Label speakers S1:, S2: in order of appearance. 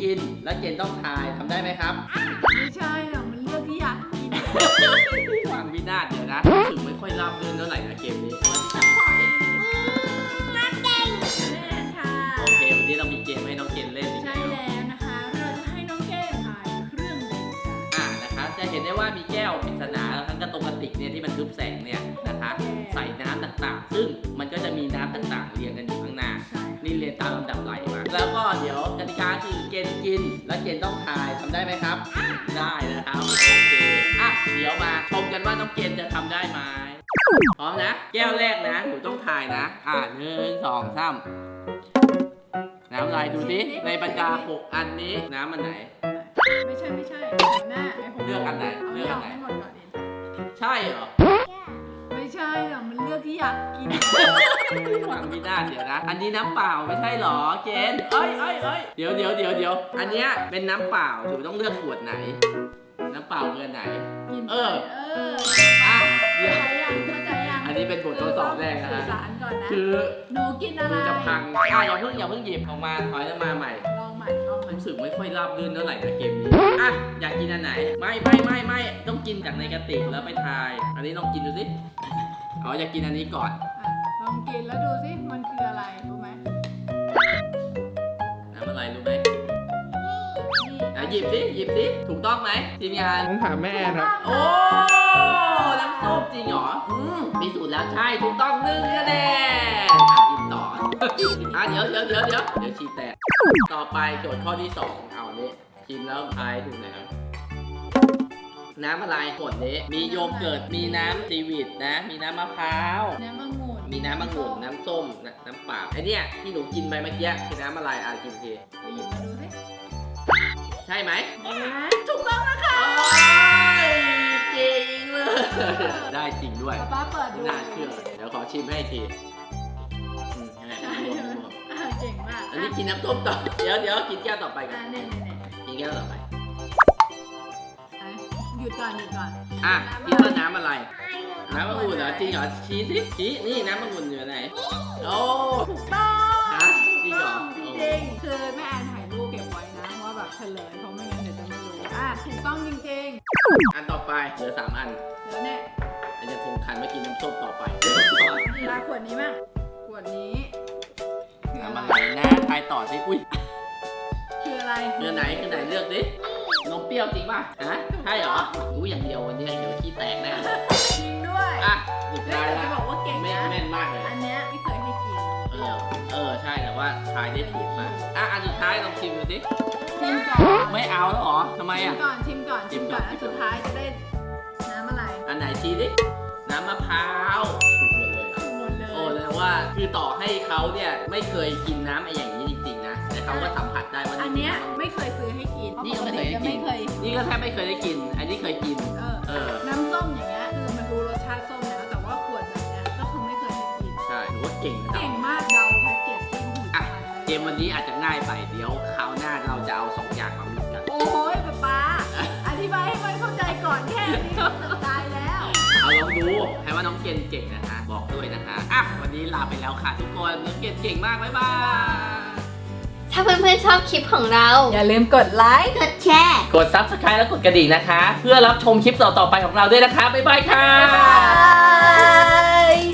S1: กินแล้วเกณฑ์ต้องทายทำได้ไหมครับ
S2: ไม่ใช่หรอกมันเลือกที่อยากกิน
S1: ฟังวินาศเดี๋ยวนะรู้สึกไม่ค่อยราบรื่นเท่าไหร่นะเกมนี้วันที่จับปล่อย
S2: มาเก่งแน่ค่ะ
S1: โอเควันนี้เรามีเกมให้น้องเกณฑ์เล่นอีก
S2: ใช่แล้วนะคะเราจะให้น้องแก้มถ่ายเครื่องเล่นกัน
S1: นะคะจะเห็นได้ว่ามีแก้วปริศนาทั้งกระติกเนี่ยที่มันทึบแสงเนี่ยนะคะใส่น้ำต่างๆซึ่งมันก็จะมีน้ำต่างๆเรียงกันอยู่ข้างหน้า
S2: ใช่
S1: นี่เรียนตามลำดับไหลมาแล้วก็เดี๋ยวกติกาคือเกณฑ์กินแล้วเกณฑ์ต้องทายทำได้ไหมครับได้นะครับโอเคเดี๋ยวมาชมกันว่าน้องเกณฑ์จะทำได้ไหมพร้อมนะแก้วแรกนะหนูต้องทายนะ1 2 3น้ำอะไรดูสิในบรรดา6อันนี้น้ำมันไหน
S2: ไม่ใช่หน้าไอ้ผม
S1: เลือกอันไหน
S2: เอา
S1: เลือกอันไหน
S2: ให้หมดก่อนดิ
S1: ใช่เหรอ
S2: ไม่ใช่หรอกมันเลือกที่อยากกิน
S1: ฟังไม่ได้เดี๋ยวนะ อันนี้น้ำเปล่าไม่ใช่เหรอเกณฑ์เอ้ยเดี๋ยวอันเนี้ยเป็นน้ำเปล่าหนูต้องเลือกขวดไหน น้ำเปล่าเบอร์ไหน
S2: กิน
S1: เออ
S2: อ่ะ
S1: เดี๋ยว
S2: เข้าใจยัง
S1: อันนี้เป็นบททดสอบแรกนะ
S2: สื่อ
S1: ฮะ
S2: สารก่อนนะ
S1: คือ
S2: หนูกินอะไร
S1: ดูจะพังอย่าเพิ่งหยิบออกมาถอยมาใหม่
S2: ลองใหม่
S1: รู้สึกไม่ค่อยราบรื่นเท่าไหร่นะเกมนี้อยากกินอันไหนไม่ต้องกินจากในกระติกแล้วไปทาย อันนี้ลองกินดูสิอยากกินอันนี้ก่อน
S2: ลองกินแล้วดูสิมันคืออะไรรู้ไหม
S1: น้ำอะไรรู้ไหมหยิบสิถูกต้องไหมทีมงาน
S3: ต้องถามแม่ครับ
S1: โอ้น้ำส้มจริงเหรอมีสูตรแล้วใช่ถูกต้อง1 คะแนนกินต่อเดี๋ยวชีแตกต่อไปโจทย์ข้อที่2เอานี้ชิมแล้วทายถูกไหมครับน้ำอะไรขวดนี้มีโยเกิร์ตมีน้ำซีวิตนะมีน้ำมะพร้าว
S2: น้ำองุ่น
S1: มีน้ำมะงุ่นน้ำส้มน้ำเปล่าไอเนี้ยที่หนูกินไปเมื่อกี้คือน้ำอะไรกินที
S2: ไปหยิบมาดูสิ
S1: ใช่ไหม
S2: ถูกต้องนะคะ
S1: โอ้ยจริงเลยได้จริงด้วย
S2: ป้าเปิดดู
S1: น่าเชื่อเดี๋ยวขอชิมให้อีกทีให้
S2: ใช่
S1: รวม
S2: เก่งมาก
S1: อันนี้กินน้ำส้มต่อเดี๋ยวกินแก้วต่อไปกัน
S2: เนี่ย
S1: กินแก้วต่อไป
S2: หยุดก่อน
S1: คิดว่าน้ำอะไรน้ำมะงุ่นเหรอจริงเหรอชี้สิชี้นี่น้ำมะงุ่นอยู่ไหนโอ้
S2: ถูกต้อง
S1: จริงเหรอ
S2: จริงๆคือแม่แอนถ่ายรูปเก็บไว้นะว่าแบบเฉลยเพราะไม่งั้นเดี๋ยวจะไม่รู้ถูกต้องจริง
S1: อันต่อไปเหลือ3 อัน
S2: ๆเดี๋ยวเนี่ย
S1: อันจะทงคันมากินน้ำส้มต่อไป
S2: ลาขวดนี้มั่งขวดนี้คือ
S1: น้ำ
S2: อะ
S1: อะไร ไรนะทายต่อสิอุ้ย
S2: คืออะไร
S1: คือไหนเลือกดินมเปรี้ยวจริงป่ะใช่เหรอรู้อย่างเดียววันนี้เดี๋ยวขี้แตกแน่
S2: จริงด้วย
S1: สุด
S2: แล้ว
S1: ท้าย
S2: เดี๋ยว
S1: แล้
S2: จะ
S1: ว
S2: บอกว่าเก่งนะ
S1: แม่นมากเลย
S2: อันเนี้ยที่เคยให้กิน
S1: ใช่แต่ว่าทายได้ถูกมากอันสุดท้ายลองชิมดูสิ
S2: ชิมก่อน
S1: ไม่เอาแล้วเหรอทำไม
S2: ชิมก่อนอันสุดท้ายจะได้น้ำอะไร
S1: อันไหนชี้ดิน้ำมะพร้าวถูกหมดเลย
S2: ถูกหมดเลย
S1: โอ้แสดงว่าคือต่อให้เขาเนี่ยไม่เคยกินน้ำไอ้อย่างนี้จริงๆนะแต่เขาก็สัมผัสได้ว่า
S2: อัน
S1: นี่
S2: เนี้ยไม่เคยซื้อให้กิน
S1: นี่ก็ไม่เคยได้กิน
S2: ไม่เคย
S1: นี่ก็แทบไม่เคยได้กิน อันนี้เคยกิน
S2: น้ำส้มอย่างเงี้ยคือมันรู้รสชาติส้มแล้วแต่ว่าขวดแบบเนี้ยก็คือไม่เคยให้กิน
S1: ใช่หรือว่าเก่งนะ
S2: เก่งมากเดาแพ็กเกจที่ถูก
S1: เกมวันนี้อาจจะง่ายไปเดี๋ยวคราวหน้าเราจะเอา2 อย่างมามิกกัน
S2: โอ้ยป๊าอธิบายให้มันเข้าใจก่อนแค่นี้ก็ตายแล้ว
S1: เอาลองดูใครว่าน้องเกณฑ์เก่งนะคะบอกด้วยนะคะวันนี้ลาไปแล้วค่ะทุกคนน้องเกณฑ์เก่งมากบ๊ายบาย
S4: ถ้าเพื่อนๆชอบคลิปของเรา
S2: อย่าลืมกดไลค์
S4: กดแชร์
S1: กด Subscribe และกดกระดิ่งนะคะ เพื่อรับชมคลิปต่อๆไปของเราด้วยนะคะบ๊ายบายค่ะ
S2: บ๊ายบาย